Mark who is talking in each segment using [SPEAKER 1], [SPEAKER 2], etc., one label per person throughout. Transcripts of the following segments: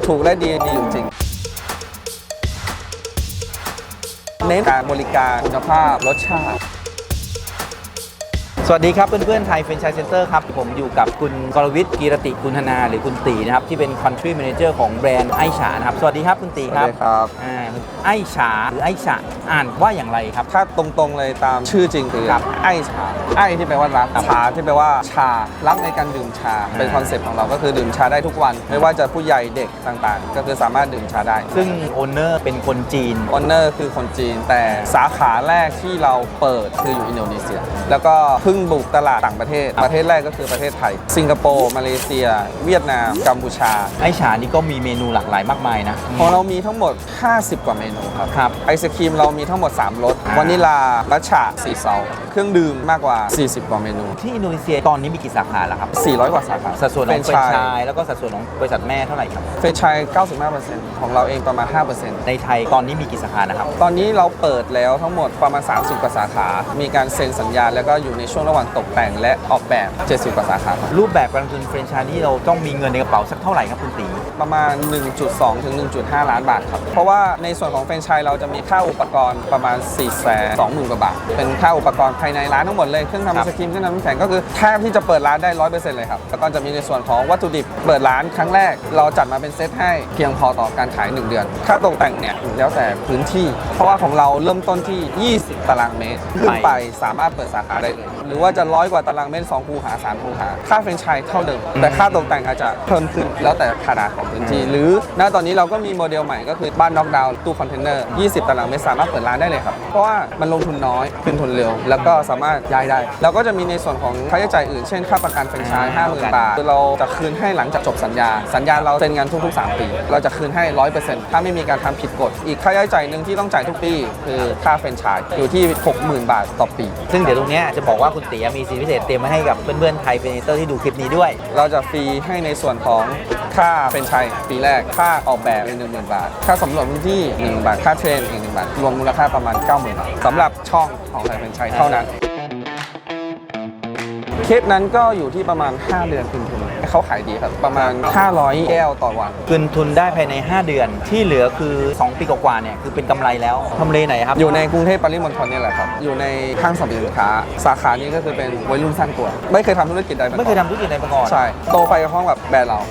[SPEAKER 1] ถูกและดีอยู่จริงเน้นการบริการคุณภาพรสชาติ
[SPEAKER 2] สวัสดีครับเพื่อนๆไทยแฟรนไชส์เซ็นเตอร์ครับผมอยู่กับคุณกรวิทย์กีรติกุลธนาหรือคุณตีนะครับที่เป็น Country Manager ของแบรนด์ไอฉานะครับสวัสดีครับคุณตีครับ
[SPEAKER 1] สวัสดีครับ
[SPEAKER 2] ไอฉาหรือไอฉาอ่านว่าอย่างไรครับ
[SPEAKER 1] ถ้าตรงๆเลยตามชื่อจริงคือไอ้ชาไอ้ที่แปลว่ารักชาที่แปลว่าชารักในการดื่มชาเป็นคอนเซ็ปต์ของเราก็คือดื่มชาได้ทุกวันไม่ว่าจะผู้ใหญ่เด็กต่างๆก็คือสามารถดื่มชาได้
[SPEAKER 2] ซึ่งโอนเนอร์เป็นคนจีน
[SPEAKER 1] โอนเนอร์คือคนจีนแต่สาขาแรกที่เราเปิดคืออยู่อินโดนีเซียแล้วก็เพิ่งบุกตลาดต่างประเทศแรกก็คือประเทศไทยสิงคโปร์มาเลเซียเวียดนามกัมพูชา
[SPEAKER 2] ไอฉานี่ก็มีเมนูหลากหลายมากมายนะ
[SPEAKER 1] ของเรามีทั้งหมด50กว่าเมนูครับไอศครีมเรามีทั้งหมด3รสวานิลามัทฉะสีเซาเครื่องดื่มมากกว่า40กว่าเมนู
[SPEAKER 2] ที่อินโดนีเซียตอนนี้มีกี่สาขาแล้วครับ
[SPEAKER 1] 400กว่าสาขา
[SPEAKER 2] สัดส่วนของแฟรนไชส์แล้วก็สัดส่วนของบริษัทแม่เท่าไหร่ครับ
[SPEAKER 1] แฟรนไชส์ 95% ของเราเองประมาณ 5%
[SPEAKER 2] ในไทยตอนนี้มีกี่สาขานะครับ
[SPEAKER 1] ตอนนี้เราเปิดแล้วทั้งหมดประมาณ30กว่าสาขามีการเซ็นสัญญาแล้วก็อยู่ในช่วงระหว่างตกแต่งและออกแบบ70กว่าสาขา
[SPEAKER 2] รูปแบบการลงทุนแฟรนไชส์นี่เราต้องมีเงินในกระเป๋าสักเท่าไหร่ครับคุณตี
[SPEAKER 1] ประมาณ 1.2 ถึง 1.5 ล้านบาทครับเพราะว่าในส่วนของแฟรนไชส์เราจะมีค่าอุปกรณ์ประมาณ 420,000 กว่าบาทเป็นค่าอุปกรณ์ภายในร้านทั้งหมดเลยเครื่องทำไอศครีมเครื่องทำน้ำแข็งก็คือแทบที่จะเปิดร้านได้ 100% เลยครับแล้วก็จะมีในส่วนของวัตถุดิบเปิดร้านครั้งแรกเราจัดมาเป็นเซตให้เพียงพอต่อการขาย1เดือนค่าตกแต่งเนี่ยแล้วแต่พื้นที่เพราะว่าของเราเริ่มต้นที่20ตารางเมตรขึ้นไปสามารถเปิดสาขาได้เลยหรือว่าจะ100กว่าตารางเมตร2คูหา3คูหาค่าแฟรนไชส์เท่าเดิมแต่ค่าตกแต่งอาจจะเพิ่มขึ้นแล้วแต่ขนาดของพื้นที่หรือณตอนนี้เราก็มีโมเดลใหม่ก็คือบ้านน็อกดาวน์ตู้คอนเทนเนอร์20ตารางเมตรสามารถเปิดร้านได้เลยครับเพราะว่ามันลงทุนน้อยขึ้นทุนเร็วแล้วก็สามารถย้ายได้เราก็จะมีในส่วนของค่าใช้จ่ายอื่นเช่นค่าประกันแฟรนไชส์ 50,000 บาทเราจะคืนให้หลังจากจบสัญญาเราเซ็นงานทุกๆ3ปีเราจะคืนให้ 100% ถ้าไม่มีการทำผิดกฎอีกค่าใช้จ่ายหนึ่งที่ต้องจ่ายทุกปีคือค่าแฟรนไชส์อยู่ที่ 60,000 บาทต่อปี
[SPEAKER 2] ซึ่งเดี๋ยวตรงนี้จะบอกว่าคุณตีมีสิทธิพิเศษเตรียมไว้ให้กับเพื่อนๆไทยแฟรนไชส์ที่ดูคลิปนี้ด้วย
[SPEAKER 1] เราจะฟรีให้ในส่วนของค่าแฟรนไชส์ปีแรกค่าออกแบบ10,000 บาทค่าสำรวจพื้นที่1,000 บาทค่าเทรนอีก1,000 บาทรวมมูลค่าประมาณ 90,000 บาทสำหรับช่องของไทยแฟรนไชส์เท่านั้นเคสนั้นก็อยู่ที่ประมาณ5เดือนคืนทุนเขาขายดีครับประมาณ500แก้วต่อวัน
[SPEAKER 2] คืนทุนได้ภายใน5เดือนที่เหลือคือ2ปีกว่าๆเนี่ยคือเป็นกำไรแล้วทำเลไหนครับ
[SPEAKER 1] อยู่ในกรุงเทพปริมณฑลนี่แหละครับอยู่ในห้างสรรพสินค้าสาขานี้ก็คือเป็นวัยรุ่นสร้างตัวไม่เคยทำธุรกิจใดมาก่อน
[SPEAKER 2] ไม่เคยทำธุรกิจใดมาก่อน
[SPEAKER 1] ใช่โตไปกับห้องแบบแบรนด์เรา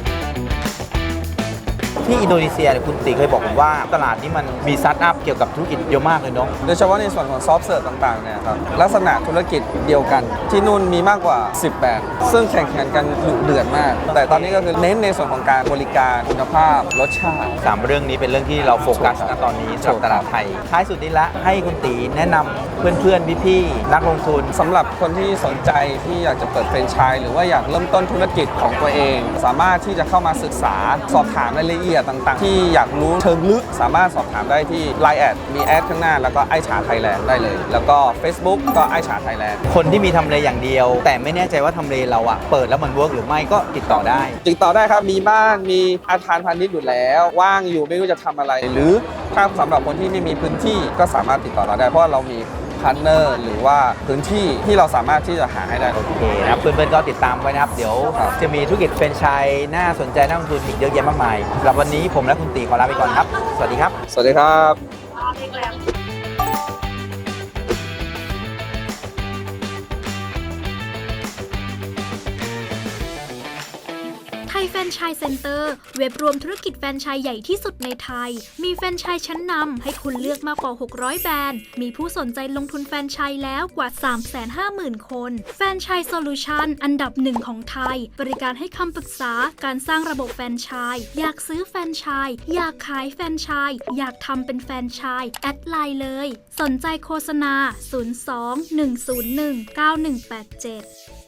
[SPEAKER 2] ที่อินโดนีเซียคุณตีเคยบอกผมว่าตลาดนี้มันมีสตาร์ทอัพเกี่ยวกับธุรกิจเยอะมากเลยเนาะ
[SPEAKER 1] โดยเฉพาะในส่วนของซอฟต์เซิร์ฟต่างๆเนี่ยครับลักษณะธุรกิจเดียวกันที่นู่นมีมากกว่า10แบรนด์ซึ่งแข่งขันกันดุเดือดมากแต่ตอนนี้ก็คือเน้นในส่วนของการบริการคุณภาพรสชาติ
[SPEAKER 2] 3เรื่องนี้เป็นเรื่องที่เราโฟกัสณตอนนี้สำหรับตลาดไทยท้ายสุดนี้ละให้คุณตีแนะนำเพื่อนๆพี่ๆนักลงทุน
[SPEAKER 1] สำหรับคนที่สนใจที่อยากจะเปิดแฟรนไชส์หรือว่าอยากเริ่มต้นธุรกิจของตัวเองสามารถที่จะเข้ามาศึกษาสอบถามรายละเอียดต่างๆที่อยากรู้เชิงลึกสามารถสอบถามได้ที่ Line แอดมีแอดข้างหน้าแล้วก็ไอฉาไทยแลนด์ได้เลยแล้วก็ Facebook ก็ไอฉาไทยแลนด์
[SPEAKER 2] คนที่มีทำเลอย่างเดียวแต่ไม่แน่ใจว่าทำเลเราอะเปิดแล้วมันเวิร์กหรือไม่ก็ติดต่อได้
[SPEAKER 1] ครับมีบ้านมีอาคารพาณิชย์อยู่แล้วว่างอยู่ไม่รู้จะทำอะไรหรือถ้าสำหรับคนที่ไม่มีพื้นที่ก็สามารถติดต่อเราได้เพราะเรามีพาร์ทเนอร์หรือว่าพื้นที่ที่เราสามารถที่จะหาให้ได้
[SPEAKER 2] โอเคนะครับเพื่อนๆก็ติดตามไว้นะครับเดี๋ยวจะมีธุรกิจแฟรนไชส์น่าสนใจน่าลงทุนอีกเยอะแยะมากมายสำหรับวันนี้ผมและคุณตีขอลาไปก่อนครับสวัสดีครับ
[SPEAKER 1] สวัสดีครับ
[SPEAKER 3] ไทยแฟรนไชส์เซ็นเตอร์เว็บรวมธุรกิจแฟรนไชส์ใหญ่ที่สุดในไทยมีแฟรนไชส์ชั้นนำให้คุณเลือกมากกว่า600แบรนด์มีผู้สนใจลงทุนแฟรนไชส์แล้วกว่า 350,000 คนแฟรนไชส์โซลูชันอันดับ1ของไทยบริการให้คำปรึกษาการสร้างระบบแฟรนไชส์อยากซื้อแฟรนไชส์อยากขายแฟรนไชส์อยากทำเป็นแฟรนไชส์แอดไลน์เลยสนใจโฆษณา02 101 9187